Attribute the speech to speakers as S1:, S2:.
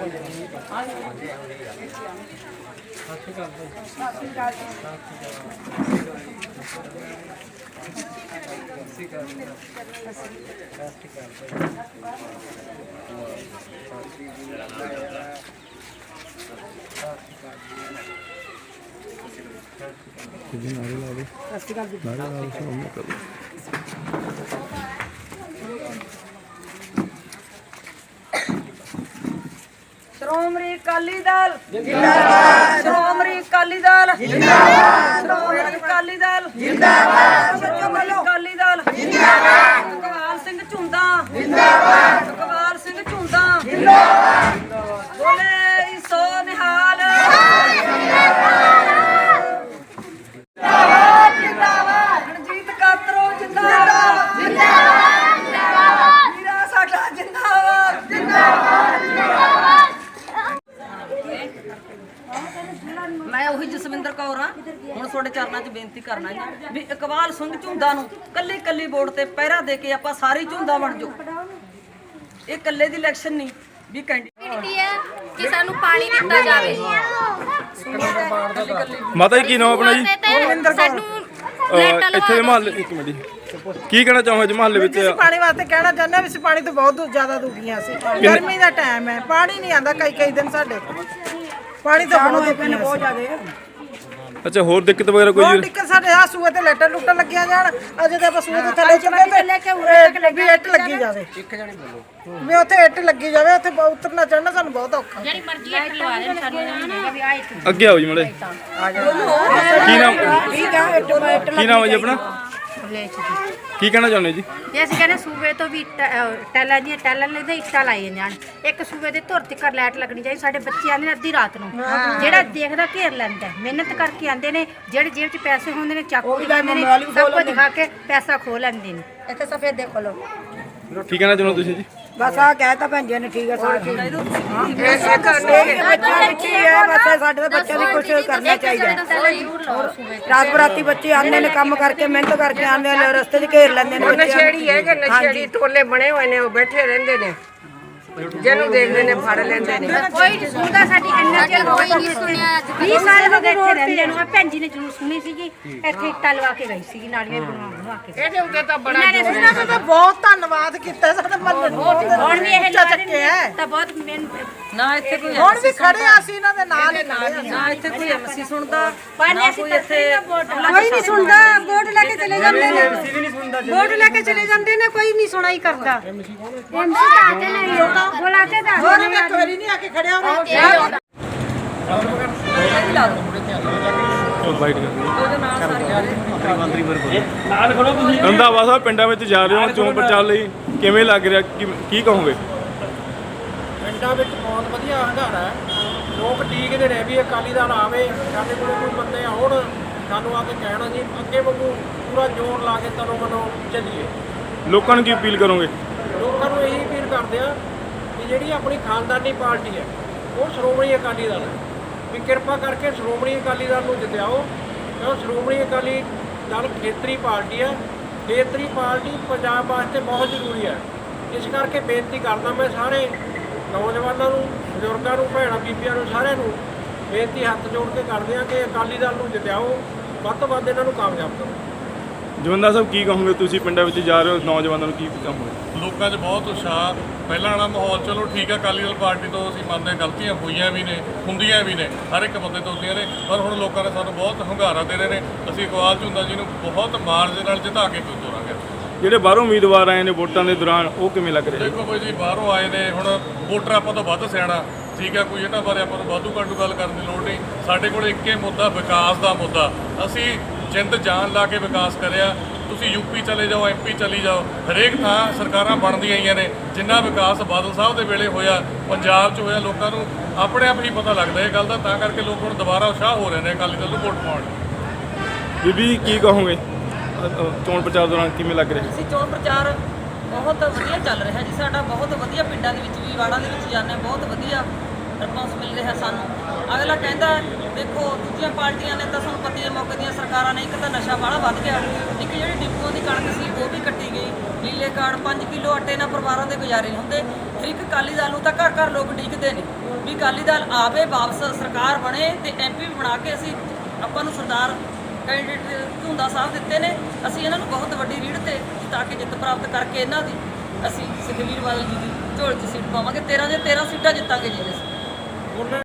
S1: श्रोमणी अकाली दल जिंदाबाद, श्रोमणी अकाली दल जिंदाबाद, श्रोमणी अकाली दल जिंदाबाद, श्रोमणी अकाली दल जिंदाबाद, इकबाल सिंह झुंदा जिंदाबाद, इकबाल सिंह झुंदा जिंदाबाद, बोले सो निहाल जिंदाबाद, जिंदाबाद, रणजीत कातरो जिंदाबाद, जिंदाबाद, जिंदाबाद, वीरा साडा जिंदाबाद, जिंदाबाद, जिंदाबाद। मैं ਉਹੀ ਜਸਵਿੰਦਰ ਕੌਰ ਹਾਂ। ਹੁਣ ਤੁਹਾਡੇ ਚਰਨਾਂ 'ਚ ਬੇਨਤੀ ਕਰਨਾ ਹੈ ਵੀ ਇਕਬਾਲ ਸਿੰਘ ਝੁੰਦਾ ਨੂੰ ਕੱਲੀ ਕੱਲੀ ਵੋਟ ਤੇ ਪਹਿਰਾ ਦੇ ਕੇ ਆਪਾਂ ਸਾਰੀ ਝੁੰਦਾ ਬਣ ਜਾਓ। ਇਹ ਕੱਲੇ ਦੀ ਇਲੈਕਸ਼ਨ ਨਹੀਂ ਵੀ ਕੈਂਡੀਡੇਟ
S2: ਹੈ ਕਿ ਸਾਨੂੰ ਪਾਣੀ ਦਿੱਤਾ ਜਾਵੇ।
S3: ਮਾਤਾ ਜੀ ਕੀ ਨਾਮ ਆਪਣਾ ਜੀ?
S2: ਸਾਨੂੰ
S3: ਇੱਥੇ ਮਹੱਲੇ ਇੱਕ ਮਿੰਟ ਕੀ ਕਹਿਣਾ ਚਾਹੋਗੇ ਜੀ ਮਹੱਲੇ ਵਿੱਚ?
S4: ਪਾਣੀ ਵਾਸਤੇ ਕਹਿਣਾ ਚਾਹੁੰਦੇ ਹਾਂ ਵੀ ਅਸੀਂ ਪਾਣੀ ਤੋਂ ਬਹੁਤ ਜ਼ਿਆਦਾ ਦੁਖੀਆਂ ਸੀ। ਗਰਮੀ ਦਾ ਟਾਈਮ ਹੈ, ਪਾਣੀ ਨਹੀਂ ਆਉਂਦਾ ਕਈ ਦਿਨ ਸਾਡੇ। ਪਾਣੀ ਤਾਂ ਬਹੁਤ ਜ਼ਿਆਦਾ।
S3: ਅੱਛਾ ਹੋਰ ਦਿੱਕਤ ਵਗੈਰਾ ਕੋਈ?
S4: ਹੋਰ ਦਿੱਕਤ ਸਾਡੇ ਆ ਸੂਏ ਤੇ ਲੈਟਰ ਲੁੱਟਣ ਲੱਗੀਆਂ ਜਾਣ। ਅਜੇ ਤੇ ਆਪਾਂ ਸੂਏ ਤੋਂ ਥੱਲੇ ਚੁੱਕੇ ਤੇ ਵੀ ਇੱਟ ਲੱਗੀ ਜਾਵੇ, ਵੀ ਉੱਥੇ ਇੱਟ ਲੱਗੀ ਜਾਵੇ। ਉੱਥੇ ਉਤਰਨਾ ਚੜਨਾ ਸਾਨੂੰ ਬਹੁਤ ਔਖਾ।
S2: ਜਿਹੜੀ ਮਰਜ਼ੀ ਇੱਕ ਲਵਾ ਦੇਣ ਸਾਨੂੰ ਵੀ ਆਏ
S3: ਅੱਗੇ ਆਓ ਜੀ ਮੜੇ। ਕੀ ਨਾਮ ਹੈ ਜੀ ਆਪਣਾ? ਕੀ ਕਹਿਣਾ ਚਾਹੁੰਦੇ ਜੀ?
S2: ਜੇ ਅਸੀਂ ਕਹਿੰਦੇ ਸੂਬੇ ਤੋਂ ਵੀ ਟੈਲਾਂ ਦੀਆਂ ਟੈਲਾਂ ਲੈਂਦੇ ਇੱਟਾਂ ਲਾਈਆਂ ਜਾਣ। ਇੱਕ ਸੂਬੇ ਦੇ ਧੁਰ ਤੱਕ ਲਾਈਟ ਲੱਗਣੀ ਚਾਹੀਦੀ। ਸਾਡੇ ਬੱਚੇ ਆਉਂਦੇ ਨੇ ਅੱਧੀ ਰਾਤ ਨੂੰ, ਜਿਹੜਾ ਦੇਖਦਾ ਘੇਰ ਲੈਂਦਾ, ਮਿਹਨਤ ਕਰਕੇ ਆਉਂਦੇ ਨੇ। ਜਿਹੜੇ ਜੇਬ 'ਚ ਪੈਸੇ ਹੁੰਦੇ ਨੇ ਚਾਕੂ ਦਿਖਾਉਂਦੇ ਨੇ, ਸਭ ਕੁਝ ਦਿਖਾ ਕੇ ਪੈਸਾ ਖੋਹ ਲੈਂਦੇ ਨੇ। ਇੱਥੇ ਸਫੇਦ ਦੇਖੋ ਲੋ।
S3: ਕੀ ਕਹਿਣਾ ਚਾਹੁੰਦੇ ਤੁਸੀਂ ਜੀ?
S4: ਬਸ ਆ ਕਹਿਤਾ ਭੈਣ ਜੀ ਨੇ, ਠੀਕ ਹੈ ਸਾਰੇ ਬੱਚਿਆਂ ਵਿੱਚ ਹੀ ਹੈ। ਬਸ ਸਾਡੇ ਤਾਂ ਬੱਚਿਆਂ ਦੀ ਕੁਛ ਕਰਨਾ ਚਾਹੀਦਾ। ਰਾਤ ਬਰਾਤੀ ਬੱਚੇ ਆਉਂਦੇ ਨੇ, ਕੰਮ ਕਰਕੇ ਮਿਹਨਤ ਕਰਕੇ ਆਉਂਦੇ ਨੇ, ਰਸਤੇ 'ਚ ਘੇਰ ਲੈਂਦੇ ਨੇ।
S5: ਨਸ਼ੇੜੀ ਹੈ ਕਿ ਨਸ਼ੇੜੀ ਟੋਲੇ ਬਣੇ ਹੋਏ ਨੇ, ਉਹ ਬੈਠੇ ਰਹਿੰਦੇ ਨੇ, ਜਿਹਨੂੰ ਦੇਖਦੇ ਨੇ ਫੜ ਲੈਂਦੇ ਨੇ।
S2: ਕੋਈ ਨਹੀਂ ਸੁਣਦਾ ਸਾਡੀ ਇੰਨਾ ਚਿਰ ਕੋਈ ਨਹੀਂ ਸੁਣਿਆ। 20 ਸਾਲ ਹੋ ਗਏ ਇੱਥੇ ਰਹਿੰਦੇ ਨੂੰ। ਭੈਣ ਜੀ ਨੇ ਜ਼ਰੂਰ ਸੁਣੀ ਸੀਗੀ। ਇੱਥੇ ਇੱਟਾਂ ਲਵਾ ਕੇ ਗਈ ਸੀਗੀ, ਨਾਲੀਆਂ ਬਣਵਾ ਕੇ।
S5: ਇਹਦੇ ਉੱਤੇ ਤਾਂ ਬੜਾ
S4: ਇਹਨਾਂ ਦਾ ਤਾਂ ਬਹੁਤ ਧੰਨਵਾਦ ਕੀਤਾ ਸਾਡੇ ਮਹੱਲੇ ਨੂੰ।
S2: ਹੁਣ ਵੀ ਇਹ ਲਾ
S4: ਚੱਕੇ ਹੈ
S2: ਤਾਂ ਬਹੁਤ ਮਿਹਨਤ।
S1: ਨਾ ਇੱਥੇ ਕੋਈ
S4: ਹੁਣ ਵੀ ਖੜੇ ਆ ਅਸੀਂ ਇਹਨਾਂ ਦੇ ਨਾਲ ਹੀ ਖੜੇ ਆ।
S1: ਨਾ ਇੱਥੇ ਕੋਈ ਐਮਸੀ ਸੁਣਦਾ,
S2: ਪਰ
S1: ਨਾ
S2: ਅਸੀਂ
S1: ਕੋਈ ਇੱਥੇ
S4: ਕੋਈ ਨਹੀਂ ਸੁਣਦਾ। ਵੋਟ ਲੈ ਕੇ ਚਲੇ ਜਾਂਦੇ ਨੇ, ਵੋਟ ਲੈ ਕੇ ਚਲੇ ਜਾਂਦੇ ਨੇ, ਕੋਈ ਨਹੀਂ ਸੁਣਾਈ ਕਰਦਾ।
S2: ਬੁਲਾਤੇ ਤਾਂ
S4: ਹੋਰ ਵੀ ਇੱਕ ਵਾਰੀ ਨਹੀਂ ਆ ਕੇ ਖੜਿਆ ਹੋਣਾ।
S3: ਰੰਧਾਵਾ ਸਾਹਿਬ ਪਿੰਡਾਂ ਵਿੱਚ ਜਾ ਰਹੇ ਹੋ ਚੋਣ ਪ੍ਰਚਾਰ ਲਈ, ਕਿਵੇਂ ਲੱਗ ਰਿਹਾ? ਕੀ ਕਹੋਗੇ?
S6: ਪਿੰਡਾਂ ਵਿੱਚ ਬਹੁਤ ਵਧੀਆ ਹੰਗਾਰਾ ਹੈ। ਲੋਕ ਡੀਕਦੇ ਨੇ ਵੀ ਅਕਾਲੀ ਦਲ ਆਵੇ, ਸਾਡੇ ਕੋਲ ਕੋਈ ਬੰਦੇ ਆਉਣ, ਸਾਨੂੰ ਆ ਕੇ ਕਹਿਣਾ ਜੀ ਅੱਗੇ ਵਾਂਗੂ ਪੂਰਾ ਜ਼ੋਰ ਲਾ ਕੇ ਤਨੋਂ ਮਨੋਂ ਚੱਲੀਏ।
S3: ਲੋਕਾਂ ਨੂੰ ਕੀ ਅਪੀਲ ਕਰੋਗੇ?
S6: ਲੋਕਾਂ ਨੂੰ ਇਹੀ ਅਪੀਲ ਕਰਦੇ ਆ ਵੀ ਜਿਹੜੀ ਆਪਣੀ ਖਾਨਦਾਨੀ ਪਾਰਟੀ ਹੈ ਉਹ ਸ਼੍ਰੋਮਣੀ ਅਕਾਲੀ ਦਲ ਹੈ, ਵੀ ਕਿਰਪਾ ਕਰਕੇ ਸ਼੍ਰੋਮਣੀ ਅਕਾਲੀ ਦਲ ਨੂੰ ਜਿਤਾਓ। ਕਿਉਂ ਸ਼੍ਰੋਮਣੀ ਅਕਾਲੀ ਦਲ ਖੇਤਰੀ ਪਾਰਟੀ ਹੈ। ਖੇਤਰੀ ਪਾਰਟੀ ਪੰਜਾਬ ਵਾਸਤੇ ਬਹੁਤ ਜ਼ਰੂਰੀ ਹੈ। ਇਸ ਕਰਕੇ ਬੇਨਤੀ ਕਰਦਾ ਮੈਂ ਸਾਰੇ ਨੌਜਵਾਨਾਂ ਨੂੰ, ਬਜ਼ੁਰਗਾਂ ਨੂੰ, ਭੈਣਾਂ ਬੀਬੀਆਂ ਨੂੰ, ਸਾਰਿਆਂ ਨੂੰ ਬੇਨਤੀ ਹੱਥ ਜੋੜ ਕੇ ਕਰਦੇ ਹਾਂ ਕਿ ਅਕਾਲੀ ਦਲ ਨੂੰ ਜਿਤਾਓ, ਵੱਧ ਤੋਂ ਵੱਧ ਇਹਨਾਂ ਨੂੰ ਕਾਮਯਾਬ ਕਰੋ।
S3: ਜਵੰਦਾ ਸਾਹਿਬ ਕੀ ਕਹੋਗੇ? ਤੁਸੀਂ ਪਿੰਡਾਂ ਵਿੱਚ ਜਾ ਰਹੇ ਹੋ, ਨੌਜਵਾਨਾਂ ਨੂੰ ਕੀ ਕਹੋਗੇ?
S7: ਲੋਕਾਂ 'ਚ ਬਹੁਤ ਉਤਸ਼ਾਹ। ਪਹਿਲਾਂ ਵਾਲਾ ਮਾਹੌਲ ਚਲੋ ਠੀਕ ਹੈ, ਅਕਾਲੀ ਦਲ ਪਾਰਟੀ ਤੋਂ ਅਸੀਂ ਮੰਨਦੇ ਗਲਤੀਆਂ ਹੋਈਆਂ ਵੀ ਨੇ, ਹੁੰਦੀਆਂ ਵੀ ਨੇ, ਹਰ ਇੱਕ ਬੰਦੇ ਤੋਂ ਹੁੰਦੀਆਂ ਨੇ, ਪਰ ਹੁਣ ਲੋਕਾਂ ਨੇ ਸਾਨੂੰ ਬਹੁਤ ਹੁੰਗਾਰਾ ਦੇ ਰਹੇ ਨੇ। ਅਸੀਂ ਇਕਬਾਲ ਝੁੰਦਾ ਜੀ ਨੂੰ ਬਹੁਤ ਮਾਰਜ ਦੇ ਨਾਲ ਜਿਤਾ ਕੇ ਤੋਰਾਂਗੇ।
S3: ਜਿਹੜੇ ਬਾਹਰੋਂ ਉਮੀਦਵਾਰ ਆਏ ਨੇ ਵੋਟਾਂ ਦੇ ਦੌਰਾਨ, ਉਹ ਕਿਵੇਂ ਲੱਗ ਰਿਹਾ?
S7: ਦੇਖੋ ਕੋਈ ਜੀ ਬਾਹਰੋਂ ਆਏ ਨੇ, ਹੁਣ ਵੋਟਰ ਆਪਾਂ ਤੋਂ ਵੱਧ ਸਿਆਣਾ, ਠੀਕ ਹੈ, ਕੋਈ ਇਹਨਾਂ ਬਾਰੇ ਆਪਾਂ ਨੂੰ ਵਾਧੂ ਘਾਟੂ ਗੱਲ ਕਰਨ ਦੀ ਲੋੜ ਨਹੀਂ। ਸਾਡੇ ਕੋਲ ਇੱਕੇ ਮੁੱਦਾ, ਵਿਕਾਸ ਦਾ ਮੁੱਦਾ। ਅਸੀਂ ਜਿੰਦ ਜਾਨ ਲਾ ਕੇ ਵਿਕਾਸ ਕਰਿਆ। ਤੁਸੀਂ ਯੂਪੀ ਚਲੇ ਜਾਓ, ਐਮਪੀ ਚਲੀ ਜਾਓ, ਹਰੇਕ ਥਾਂ ਸਰਕਾਰਾਂ ਬਣਦੀਆਂ ਆਈਆਂ ਨੇ। ਜਿੰਨਾ ਵਿਕਾਸ ਬਾਦਲ ਸਾਹਿਬ ਦੇ ਵੇਲੇ ਹੋਇਆ, ਪੰਜਾਬ 'ਚ ਹੋਇਆ, ਲੋਕਾਂ ਨੂੰ ਆਪਣੇ ਆਪ ਹੀ ਪਤਾ ਲੱਗਦਾ ਇਹ ਗੱਲ ਦਾ। ਤਾਂ ਕਰਕੇ ਲੋਕ ਹੁਣ ਦੁਬਾਰਾ ਉਤਸ਼ਾਹ ਹੋ ਰਹੇ ਨੇ ਅਕਾਲੀ ਦਲ ਨੂੰ ਵੋਟ ਪਾਉਣ।
S3: ਬੀਬੀ ਕੀ ਕਹੋਗੇ ਚੋਣ ਪ੍ਰਚਾਰ ਦੌਰਾਨ ਕਿਵੇਂ ਲੱਗ ਰਿਹਾ?
S1: ਅਸੀਂ ਚੋਣ ਪ੍ਰਚਾਰ ਬਹੁਤ ਵਧੀਆ ਚੱਲ ਰਿਹਾ ਜੀ ਸਾਡਾ। ਬਹੁਤ ਵਧੀਆ ਪਿੰਡਾਂ ਦੇ ਵਿੱਚ ਵੀ, ਵਾੜਾਂ ਦੇ ਵਿੱਚ ਜਾਂਦੇ, ਬਹੁਤ ਵਧੀਆ ਰਿਸਪੌਂਸ ਮਿਲ ਰਿਹਾ ਸਾਨੂੰ। ਅਗਲਾ ਕਹਿੰਦਾ ਦੇਖੋ ਦੂਜੀਆਂ ਪਾਰਟੀਆਂ ਨੇ ਤਾਂ ਤੁਹਾਨੂੰ ਪਤੀ ਦੇ ਮੌਕੇ ਦੀਆਂ ਸਰਕਾਰਾਂ ਨੇ, ਇੱਕ ਤਾਂ ਨਸ਼ਾ ਬਾਹਲਾ ਵੱਧ ਗਿਆ, ਇੱਕ ਜਿਹੜੀ ਡਿਪੂਆਂ ਦੀ ਕਣਕ ਸੀ ਉਹ ਵੀ ਕੱਟੀ ਗਈ, ਨੀਲੇ ਕਾਰਡ 5 ਕਿਲੋ ਆਟੇ ਨਾਲ ਪਰਿਵਾਰਾਂ ਦੇ ਗੁਜ਼ਾਰੇ ਨਹੀਂ ਹੁੰਦੇ। ਫਿਰ ਇੱਕ ਅਕਾਲੀ ਦਲ ਨੂੰ ਤਾਂ ਘਰ ਘਰ ਲੋਕ ਉਡੀਕਦੇ ਨੇ ਵੀ ਅਕਾਲੀ ਦਲ ਆਵੇ, ਵਾਪਸ ਸਰਕਾਰ ਬਣੇ ਤੇ MP ਬਣਾ ਕੇ ਅਸੀਂ ਆਪਾਂ ਨੂੰ ਸਰਦਾਰ ਕੈਂਡੀਡੇਟ ਝੁੰਦਾ ਸਾਹਿਬ ਦਿੱਤੇ ਨੇ, ਅਸੀਂ ਇਹਨਾਂ ਨੂੰ ਬਹੁਤ ਵੱਡੀ ਰੀੜ ਤੇ ਜਿਤਾ ਕੇ ਜਿੱਤ ਪ੍ਰਾਪਤ ਕਰਕੇ ਇਹਨਾਂ ਦੀ ਅਸੀਂ ਸੁਖਬੀਰ ਬਾਦਲ ਜੀ ਦੀ ਝੋਲੀ 'ਚ ਸੀਟ ਪਾਵਾਂਗੇ। 13 ਦੇ 13 ਸੀਟਾਂ ਜਿੱਤਾਂਗੇ ਜੀ ਅਸੀਂ।